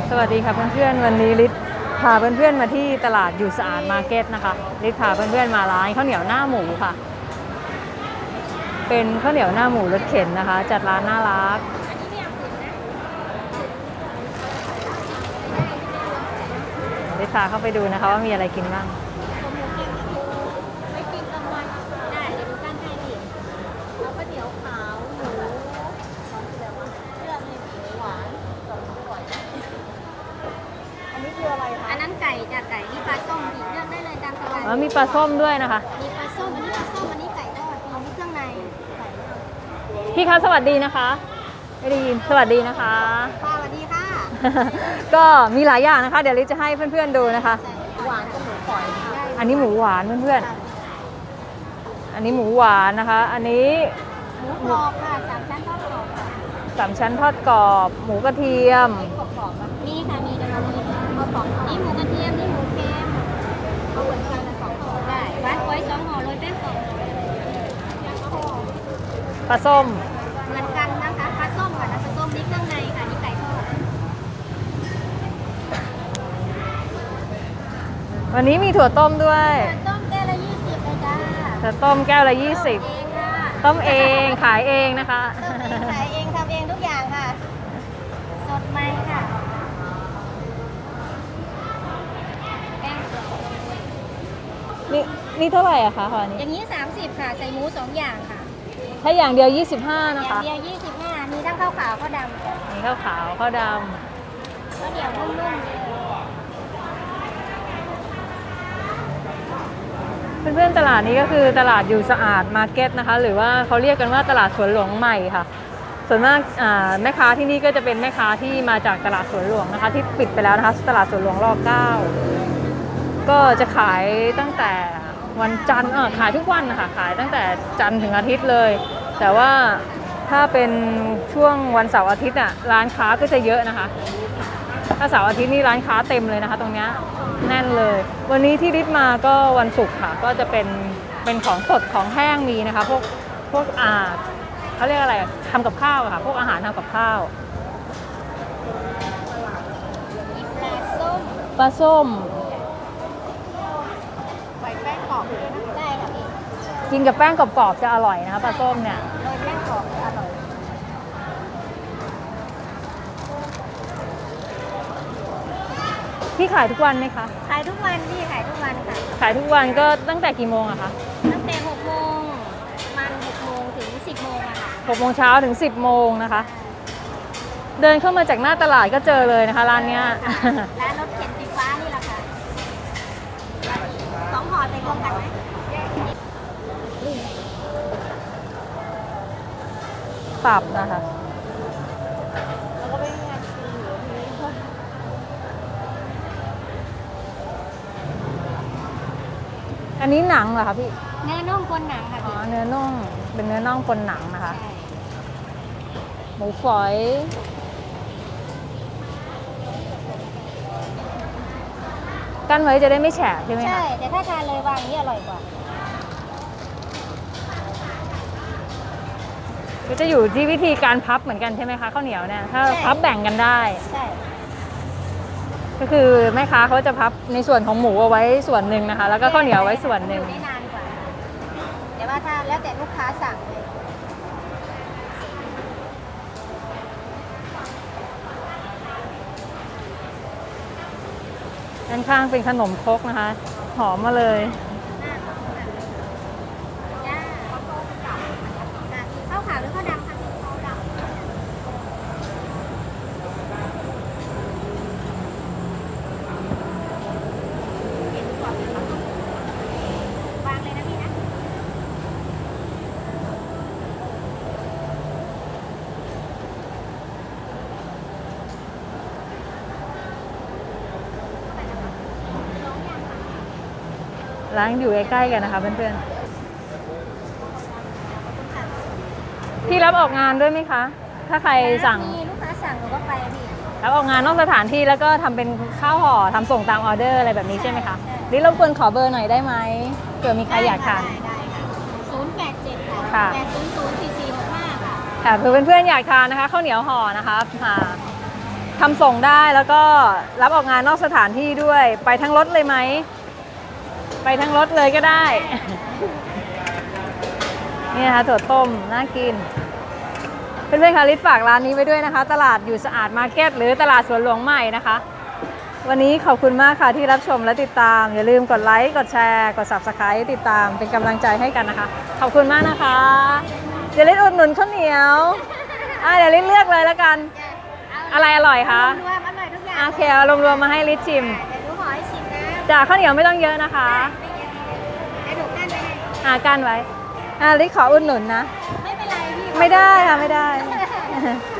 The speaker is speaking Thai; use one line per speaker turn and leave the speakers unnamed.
สวัสดีค่ะเพื่อนๆวันนี้ลิศพาเพื่อนๆมาที่ตลาดอยู่สะอาดมาร์เก็ตนะคะลิศพาเพื่อนๆมาร้านข้าวเหนียวหน้าหมูค่ะเป็นข้าวเหนียวหน้าหมูรถเข็นนะคะจัดร้านน่ารักลิศพาเข้าไปดูนะคะว่ามีอะไรกินบ้าง
ไม่กินกลางวันได้เดี๋ยวดูกันให้ดิแล้วก็เดี๋ยวขาวหมูเลือกเลยหวานอันนี้คืออะไรคะอันนั้นไก่จากไก่นี่ปลาส้มอีกเลือกได้เลยตามสบาย
มีปลาส้มด้วยนะคะ
มีปลาส้มอันนี้ปลาส้มอันนี้ไก่ทอดอันนี้เครื่องในไก่ทอด
พี่คะสวัสดีนะคะไม่ได้ยินสวัสดีนะคะ
ค่ะสวัสดีค่ะ
ก็มีหลายอย่างนะคะเดี๋ยวลิศจะให้เพื่อนๆดูนะคะ
หวานกับหมูฝอย
อันนี้หมูหวานเพื่อนๆอันนี้หมูหวานนะคะ อันนี้
หมูกรอบค่ะสามชั้นทอดกรอบค่ะ
3 ชั้นทอดกรอบหมูกระเทียม
กรอบนี่ค่ะมีเดี๋ยวเรามีข้าวกรอบนี่หมูกระเทียมนี่หมูเค็มเอาเหมือนกันละ2 ห่อได้หวานก้อย2 ห่อโรยแป้งกรอบ
ปลาส้ม
เหมือนกันนะคะปลาส้มค่ะนะปลาส้มนี่เครื่องในค่ะนี่ไก่ทอด
วันนี้มีถั่วต้มด้วย
ต้มแก้วละ20เลยจ้า
ถั่วต้มแก้วละ20ต้มเองขายเองนะคะ
ต้มเองขายเองทำเองทุกอย่างค่ะสดใหม่ค่ะแป้งกรอบ
นี่เท่าไหร่อะคะตอนนี้
อย่างนี้30ค่ะใส่หมู2 อย่างค่ะ
ถ้าอย่างเดียว25
อ
นะคะ
ย่างเดียว25มีทั้งข้าวขาวข้าวดำ
มีข้าวขาวข้าวด
ข้าวเหนียวนุ่มๆเลย
เพื่อนๆตลาดนี้ก็คือตลาดอยู่สะอาดมาร์เก็ตนะคะหรือว่าเขาเรียกกันว่าตลาดสวนหลวงใหม่ค่ะส่วนมากแม่ค้าที่นี่ก็จะเป็นแม่ค้าที่มาจากตลาดสวนหลวงนะคะที่ปิดไปแล้วนะคะตลาดสวนหลวงร9ก็จะขายตั้งแต่วันจันทร์ขายทุกวันนะคะขายตั้งแต่จันทร์ถึงอาทิตย์เลยแต่ว่าถ้าเป็นช่วงวันเสาร์อาทิตย์ร้านค้าก็จะเยอะนะคะถ้าเสาร์อาทิตย์นี่ร้านค้าเต็มเลยนะคะตรงนี้แน่นเลยวันนี้ที่ลิศมาก็วันศุกร์ค่ะก็จะเป็นของสดของแห้งมีนะคะพวกเขาเรียกอะไรทำกับข้าวค่ะพวกอาหารทำกับข้าวปลาส้ม
ใส่แป้งกรอบด้วยนะได้ค่ะพี่
กินกับแป้งกรอบๆจะอร่อยนะคะปลาส้มเนี่ย
โรยแป้งกรอบจะอร่อย
พี่ขายทุกวันไหมคะ
ขายทุกวันพี่ขายทุกวันค่ะ
ขายทุกวันก็ตั้งแต่กี่โมงอะคะ
ตั้งแต่6 โมงประมาณ6 โมงถึง10 โมงอะค่ะ
6 โมงเช้าถึง10 โมงนะคะเดินเข้ามาจากหน้าตลาดก็เจอเลยนะคะร้านเนี้ย
ร้านรถเข็นสีฟ้านี่แหละค่ะ2 ห่อใส่รวมกันไหม
ตับนะคะ
แล้วก็ไม่มีงานกินอยู่ทีนี้
อันนี้หนังเหรอคะพี่
เนื้อน่องคนหนังค่ะพี่
เนื้อน่องเป็นเนื้อน่องคนหนังนะคะหมูฝอยกั้นไว้จะได้ไม่แฉะใช่ไหมคะ
ใช่แต่ถ้าทานเลยวางนี้อร่อยกว่า
ก็จะอยู่ที่วิธีการพับเหมือนกันใช่ไหมคะข้าวเหนียวเนี่ยถ้าพับแบ่งกันได้
ใช่
ก็คือแม่ค้าเขาจะพับในส่วนของหมูเอาไว้ส่วนหนึ่งนะคะแล้วก็ข้าวเหนียวไว้ส่วนหนึ่ง
ได้นานกว่าแต่ว่าถ้าแล้วแต่ลูกค้าสั่งเลย
ด้านข้างเป็นขนมครกนะคะหอมมาเลย
ข้าวขาวหรือข้าวดำคะข้าวดำวางเลยนะพี่นะ
ร้านอยู่ใกล้ๆกันนะคะเพื่อนๆพี่รับออกงานด้วยไหมคะถ้าใครสั่ง
มีลูกค้าสั่งหนูก็ไปพี่
รับออกงานนอกสถานที่แล้วก็ทำเป็นข้าวห่อทำส่งตามออเดอร์อะไรแบบนี้ใช่ไหมคะนี่รบกวนขอเบอร์หน่อยได้ไหมเผื่อมีใครอยากทาน
ได้ค่ะ087
ค่ะ
8004465ค่ะ
ค่ะเพื่อนๆอยากทานนะคะข้าวเหนียวห่อนะคะทำส่งได้แล้วก็รับออกงานนอกสถานที่ด้วย ไปทั้งรถเลยไหม ไปทั้งรถเลยก็ได้ นี่นะคะถั่วต้มน่ากิน เพื่อนๆคะลิศฝากร้านนี้ไว้ด้วยนะคะ ตลาดอยู่สะอาดมาร์เก็ตหรือตลาดสวนหลวงใหม่นะคะ วันนี้ขอบคุณมากค่ะที่รับชมและติดตาม อย่าลืมกดไลค์ กดแชร์ กด Subscribe ติดตามเป็นกำลังใจให้กันนะคะ ขอบคุณมากนะคะ เดี๋ยวลิศอุดหนุนข้าวเหนียวเดี๋ยวลิศเลือกเลยแล้วกัน อะไรอร่อยคะ
รวมอร่อยทุกอย่าง
โอเคเอารวมๆมาให้ลิศชิม
เดี๋ยวหนูขอให้ชิมนะ
จากข้าวเหนียวไม่ต้องเยอะนะคะ
ไม่เยอะเดี๋ยวหนูกั้นไว้ให้
กั้นไว้ลิศขออุดหนุนนะ
ไม่เป็นไรพี่
ไม่ได้ค่ะไม่ได้